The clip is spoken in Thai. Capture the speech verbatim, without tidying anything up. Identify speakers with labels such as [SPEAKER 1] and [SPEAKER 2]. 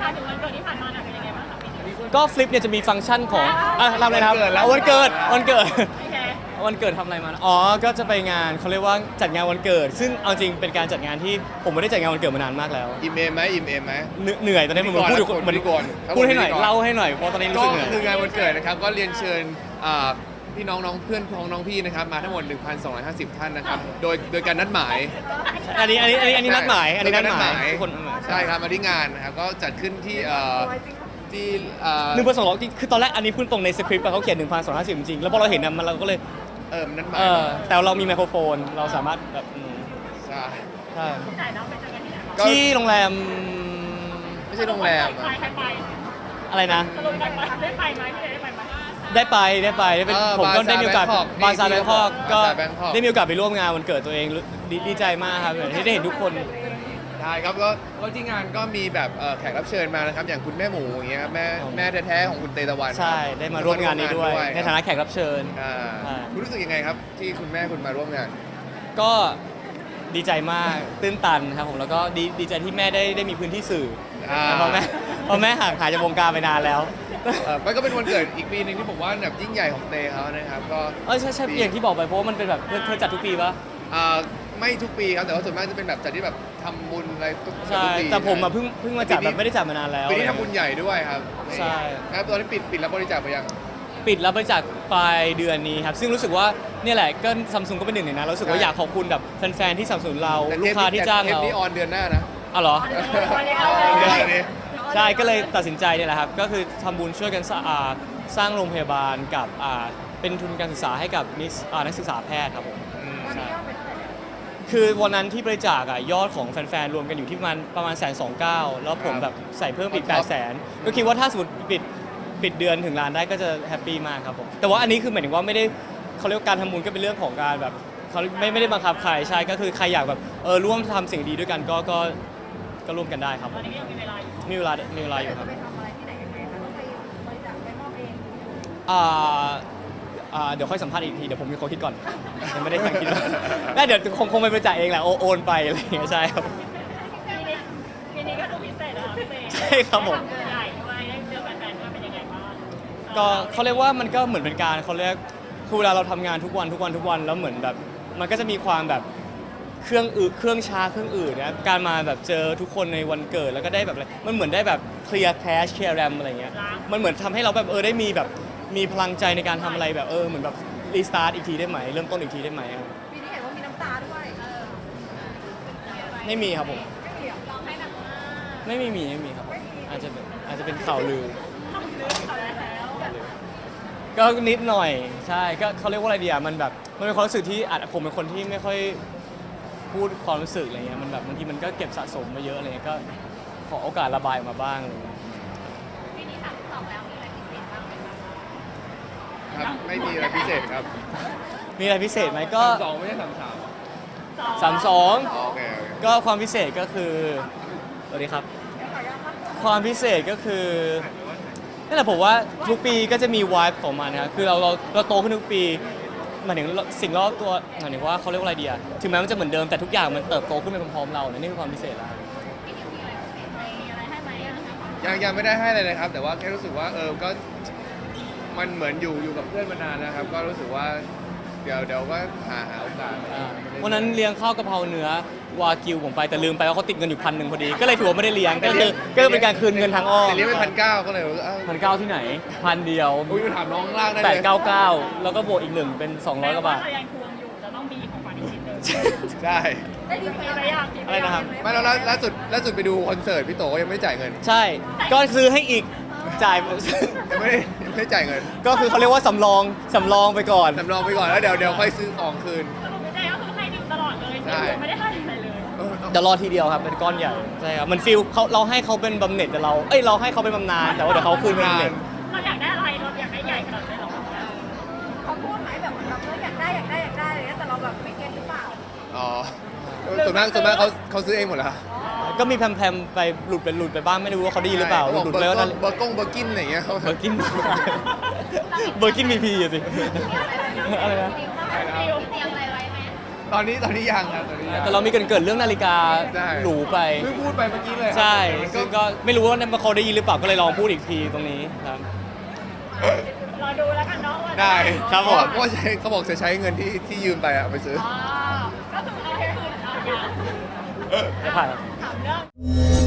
[SPEAKER 1] ายถึงวันเกิดที่ผ่านมาหน่อยเป็นยังไงบ้างคะปีนี้
[SPEAKER 2] ก็ฟลิปเนี่ยจะมีฟังก์ชันของอ่ะทำอะไรนะครับวันเกิดวันเกิดวันเกิดทำอะไรมาอ๋อก็จะไปงานเขาเรียกว่าจัดงานวันเกิด ซึ่งเอาจริงเป็นการจัดงานที่ผมไม่ได้จัดงานวันเกิดมานานมากแล้ว
[SPEAKER 3] อิ่มเอมไหมอิ่มเอมไหม
[SPEAKER 2] เหนื่อยตอนนี้ผมพูดอยู่เหมือนพูดให้หน่อยเล่าให้หน่อยเพราะตอนนี้รู้
[SPEAKER 3] ก็
[SPEAKER 2] สึกเหนื่อย
[SPEAKER 3] คืองานวันเกิดนะครับก็เรียนเชิญพี่น้องน้องเพื่อนพ้องน้องพี่นะครับมาทั้งหมด หนึ่งพันสองร้อยห้าสิบ ท่านนะครับโดยโดยการนัดหมาย
[SPEAKER 2] อันนี้อันนี้อันนี้อันนี้นัดหมายอันนี้นัดหมาย
[SPEAKER 3] โด
[SPEAKER 2] ทุกคนนัดหมาย
[SPEAKER 3] ใช่ครับมาที่งานนะครับก็จัดขึ้นที่เอ่อที่เอ่อ
[SPEAKER 2] หนึ่งพันสองร้อยคือตอนแรกอันนี้พูดตรงในสคริปต์เขาเขียนหนึ่งพันสองร้อยห้าสิบจริงๆแล้วพอเราเห็นนะมันเราก็เลย
[SPEAKER 3] เออนัดหมา
[SPEAKER 2] เอย อแต่เรามีไมโครโฟนเราสามารถแบบอืม
[SPEAKER 3] ใช่
[SPEAKER 2] ใช่
[SPEAKER 1] จ่ายน้องไปเจอกันที่ไหนบ้าง
[SPEAKER 3] ก็
[SPEAKER 2] ที่โรงแรม
[SPEAKER 3] ไม่ใช่โรงแรม
[SPEAKER 1] ไป
[SPEAKER 3] อะ
[SPEAKER 1] ใครไป
[SPEAKER 2] อะไรนะ
[SPEAKER 1] สรุปได้ไปได้ไปไหมพี่ได้ไปไหม
[SPEAKER 2] ได้ไปได้ไปได้เป็น
[SPEAKER 3] เออ
[SPEAKER 2] ผมก็
[SPEAKER 3] Bazaar
[SPEAKER 2] ได้มีโอกาส
[SPEAKER 3] Bangkok
[SPEAKER 2] บาซาร์แบงคอกก็
[SPEAKER 3] Bazaar Bangkok
[SPEAKER 2] ได้มีโอกาสไปร่วมงานวันเกิดตัวเองรู้ดีดีใจมากครับที่ได้เห็นทุกคน
[SPEAKER 3] ใช่ครับก็ก็ที่งานก็มีแบบเอ่อแขกรับเชิญมานะครับอย่างคุณแม่หมูอย่างเงี้ยครับแม่
[SPEAKER 2] อ๋อ
[SPEAKER 3] แม่แท้ๆของคุณเตตะวัน
[SPEAKER 2] ใช่ได้มาร่วมงานนี้ด้วยในฐานะแขกรับเชิญ
[SPEAKER 3] อ่า
[SPEAKER 2] ใช่
[SPEAKER 3] คุณรู้สึกยังไงครับที่คุณแม่คุณมาร่วมงาน
[SPEAKER 2] ก็ดีใจมากตื้นตันครับผมแล้วก็ดีดีใจที่แม่ได้ได้มีพื้นที่สื่อ
[SPEAKER 3] อ่า
[SPEAKER 2] เพราะแม่เพราะแม่ห่างหายจากวงการไปนานแล้ว
[SPEAKER 3] เอ่อมันก็เป็นวันเกิดอีกปีหนึ่งที่ผมว่าแบบยิ่งใหญ่ของเตเขานะครับก็
[SPEAKER 2] เออใช่ใช่อย่างที่บอกไปเพราะว่ามันเป็นแบบเธอเธอจัดทุกปีปะ
[SPEAKER 3] อ่าไม่ทุกปีครับแต่ว่าส่วนมากจะเป็นแบบจัดที่แบบทำบุญอะไรทุก
[SPEAKER 2] ใช่
[SPEAKER 3] ทุกปี
[SPEAKER 2] แต่ผมอะเพิ่งเพิ่งมาจัดแบบไม่ได้จัดมานานแล้ว
[SPEAKER 3] ปีนี้ทำบุญใหญ่ด้วยครับ
[SPEAKER 2] ใช่
[SPEAKER 3] ครับตอนนี้ปิดปิดรับบริจาคไปยัง
[SPEAKER 2] ปิดรับบริจาคปลายเดือนนี้ครับซึ่งรู้สึกว่าเนี่ยแหละก็ซัมซุงก็เป็นหนึ่งในนั้นเรารู้สึกว่า
[SPEAKER 3] ใช่
[SPEAKER 2] อยากขอบคุณแบบแฟนๆที่สนับสนุนเรา
[SPEAKER 3] แต่
[SPEAKER 2] ลูกค้าที่จ้าง
[SPEAKER 3] เทป
[SPEAKER 2] เรา
[SPEAKER 3] นี้ออนเดือนหน้านะ
[SPEAKER 2] อ๋อเหรอ
[SPEAKER 3] เดือนนี้
[SPEAKER 2] ใช่ก็เลยตัดสินใจเนี่ยแหละครับก็คือทำบุญช่วยกันสร้างอ่าสร้างโรงพยาบาลกับอ่าเป็นทุนการศึกษาให้กับนิสอ่านักศึกษาแพทย์ครับผม
[SPEAKER 3] อืม
[SPEAKER 2] ใช่คือวันนั้นที่บริจาคอะยอดของแฟนๆรวมกันอยู่ที่ประมาณประมาณแสนสองเก้าแล้วผมแบบใส่เพิ่มอีกแปดแสนก็คิดว่าถ้าสมมติปิดปิดเดือนถึงล้านได้ก็จะแฮปปี้มากครับผมแต่ว่าอันนี้คือหมายถึงว่าไม่ได้เขาเรียกว่าการทำบุญก็เป็นเรื่องของการแบบเขาไม่ไม่ได้บังคับใครใช่ก็คือใครอยากแบบเออร่วมทำสิ่งดีด้วยกันก็ก็ก็ร่วมกันได้ครับ
[SPEAKER 1] ตอนนี้ยังมีเวลาอยู่
[SPEAKER 2] มีเวลามีเวลาอยู่ครับ
[SPEAKER 4] ไปทำอะไรที่ไหนยังไงคะต้องไปบริจาคไปมอบเอง
[SPEAKER 2] อ่าอ่าเดี๋ยวค่อยสัมภาษณ์อีกทีเดี๋ยวผมมีคนคิดก่อนยังไม่ได้ตั้งคิดว่าได้เดี๋ยวคงคงไปบริจาคเองแหละโอโอนไปอะไรอย่างเงี้ยใช่ครับ
[SPEAKER 1] ปีนี้ปีนี้ก็ดูพิเศษนะคะพี่เต้
[SPEAKER 2] ใช่ครับผม
[SPEAKER 1] ได้ทำงานใหญ่ด้วยได้เจอแฟนๆด้วยเป็นยังไงบ้าง
[SPEAKER 2] ก็เขาเรียกว่ามันก็เหมือนเป็นการเขาเรียกคือเวลาเราทำงานทุกวันทุกวันทุกวันแล้วเหมือนแบบมันก็จะมีความแบบเครื่องอืดเครื่องช้าเครื่องอื่นนะการมาแบบเจอทุกคนในวันเกิดแล้วก็ได้แบบอะไรมันเหมือนได้แบบเคลียร์แคชเคลียร์แรมอะไรเงี้ยมันเหมือนทำให้เราแบบเออได้มีแบบมีพลังใจในการทำอะไรแบบเออเหมือนแบบรีสตาร์ทอีกทีได้ไหมเริ่มต้นอีกทีได้ไหม
[SPEAKER 4] ปีนี้เห็นว่ามีน้ำตาด้วยเออ
[SPEAKER 2] ไม่มีครับผม
[SPEAKER 4] ไม่มีเหรอร้องให้หนักมาก
[SPEAKER 2] ไม่มีมีไม่มีครับผมอาจจะเป็นอาจจะเป็นข่าวลือ
[SPEAKER 1] ต้องลืมเขาแล้ว
[SPEAKER 2] ก็นิดหน่อยใช่ก็เขาเรียกว่าอะไรดีอ่ะมันแบบมันเป็นความรู้สึกที่อาจผมเป็นคนที่ไม่ค่อยพูดความรู้สึกอะไรเงี้ยมันแบบบางทีมันก็เก็บสะสมมาเยอะอะไรเงี้ยก็ขอโอกาสระบายออกมาบ้างอะไรเงี้ย
[SPEAKER 4] ปีนี้สามสิบสองแล้วมีอะไรพิเศษบ้างไหมคะ
[SPEAKER 3] ครับไม่มีอะไรพิเศษครับ
[SPEAKER 2] มีอะไรพิเศษไหมก็
[SPEAKER 3] สองไม่ใช่สามสาม
[SPEAKER 2] สามสอง
[SPEAKER 3] อ๋อโอเคโอเค
[SPEAKER 2] ก็ความพิเศษก็คือสวัสดีครับ ความพิเศษก็คือนั่นแหละผมว่าทุกปีก็จะมีวายของมันนะครับคือเราเราเราโตขึ้นทุกปีหมายถึงสิ่งรอบตัวหมายถึงว่าเขาเรียกว่าอะไรดีอะถึงแม้มันจะเหมือนเดิมแต่ทุกอย่างมันเติบโตขึ้นไปพร้อมๆเราเนี่ยนี่คือความพิเศษแล้ว
[SPEAKER 4] ปีนี้มีอะไรพิเศษไหมมีอะไรให้ไหมอะคะ
[SPEAKER 3] ยังยังไม่ได้ให้เลยนะครับ แต่ว่าแค่รู้สึกว่าเออก็มันเหมือนอยู่อยู่กับเพื่อนมานานนะครับ ก็รู้สึกว่าเดี๋ยวเดี๋ยวก็หาหาโอกาส
[SPEAKER 2] อ่าวันนั้นเลี้ยงข้าวกะเพราเนื้อวากิวผมไปแต่ลืมไปว่าเขาติดเงินอยู่พันหนึ่งพอดี ก็เลยถือว่าไม่ได้เลี้ยงก็คือก็เลยเป็นการคืนเงินทางอ้อม
[SPEAKER 3] แต่เลี้ยงไปพันเก้าก็เลยว่าอ้าว
[SPEAKER 2] พันเก้าที่ไหนพันเดียว
[SPEAKER 3] อุ้ยไปถามน้องข้างล่างได้
[SPEAKER 2] แป
[SPEAKER 3] เล
[SPEAKER 2] ด
[SPEAKER 3] ย
[SPEAKER 2] เก้าเก้าแล้วก็บวกอีกหนึ่งเป็นสองร้อยกว่าบาท
[SPEAKER 1] ถ้ายังทวงอยู่จะต้องมีของขวัญอีกชิ้นหนึ่ง
[SPEAKER 3] ใช่
[SPEAKER 4] ได้ดี
[SPEAKER 1] มี
[SPEAKER 4] ไหม
[SPEAKER 1] อะไรอย่าง
[SPEAKER 2] อะไรนะครับ
[SPEAKER 3] ไม่แล้วล่าล่าสุดล่าสุดไปดูคอนเสิร์ตพี่โตก็ยังไม่ได้จ่ายเงิน
[SPEAKER 2] ใช่ ก็ซื้อให้อีกจ่าย
[SPEAKER 3] ยังไม่ได้ยังไม่ได้จ่ายเงิน
[SPEAKER 2] ก็คือเขาเรียกว่าสำรองสำรองไปก่อน
[SPEAKER 3] สำรองไปก่อนแล้วเดี๋ยวเดี๋ยวค่อยซื้อของคืน
[SPEAKER 1] สรุปไม่ได้ก็คือให้ดิวตลอดเลย
[SPEAKER 3] ใช่
[SPEAKER 1] ไม่ได้ให้อะไรเลย
[SPEAKER 3] เออ
[SPEAKER 2] เดี๋ยวรอทีเดียวครับเป็นก้อนใหญ่ใช่ครับมันฟิลเขาเราให้เขาเป็นบำเหน็จแต่เราเอ้ยเราให้เขาเป็นบำนาญแต่ว่าเดี๋ยวเขาคืนเป็นบำเหน็จ
[SPEAKER 1] เราอยากได้อะไรเราอยากได้ใหญ่ขนาดไหนหรอ
[SPEAKER 4] เขาพูดไหมแบบเหมือนแบบเอออยากได้อยากได้อยากได้อะไรเงี้ยแต่เราแบบไม่เก็ตหรือเปล่า
[SPEAKER 3] อ๋อส่วนมากส่วนมากเขาเขาซื้อเองหมดแล้ว
[SPEAKER 2] ก็มีแพมๆไปหลุดไปหลุดไปบ้างไม่รู้ว่าเขาได้ยินหรือเปล่าหลุดหลุดไปแล้วนั่น
[SPEAKER 3] เบอร์กงเบอร์กินอะไรอย่างเงี้ยเขา
[SPEAKER 2] เบอร์กินเบอร์กินมีพีอะสิอะไรนะ
[SPEAKER 4] ดิวเตรียมอะไรไว้ไหม
[SPEAKER 3] ตอนนี้ตอนนี้ยังครับตอนนี้ยัง
[SPEAKER 2] แต่เรามีเกินเกิดเรื่องนาฬิกา
[SPEAKER 3] ใช่
[SPEAKER 2] หรูไป
[SPEAKER 3] เพิ่งพูดไปเมื่อกี้เลยครับ
[SPEAKER 2] ใช่
[SPEAKER 3] แต่มันก็
[SPEAKER 2] ซึ่งก็ไม่รู้ว่าเขาได้ยินหรือเปล่าก็เลยลองพูดอีกทีตรงนี้ครับ
[SPEAKER 1] รอดูแล้วกันเนาะว่าจะ
[SPEAKER 3] ได้
[SPEAKER 2] ครับผม
[SPEAKER 3] เพราะว่าใช้เขาบอกจะใช้เงินที่ที่ยืมไปอะเอาไปซื้อ
[SPEAKER 1] อ๋อก็คือเอาให้คืนเอาอย่าง
[SPEAKER 2] จะผ่าน
[SPEAKER 1] ถามเรื่อง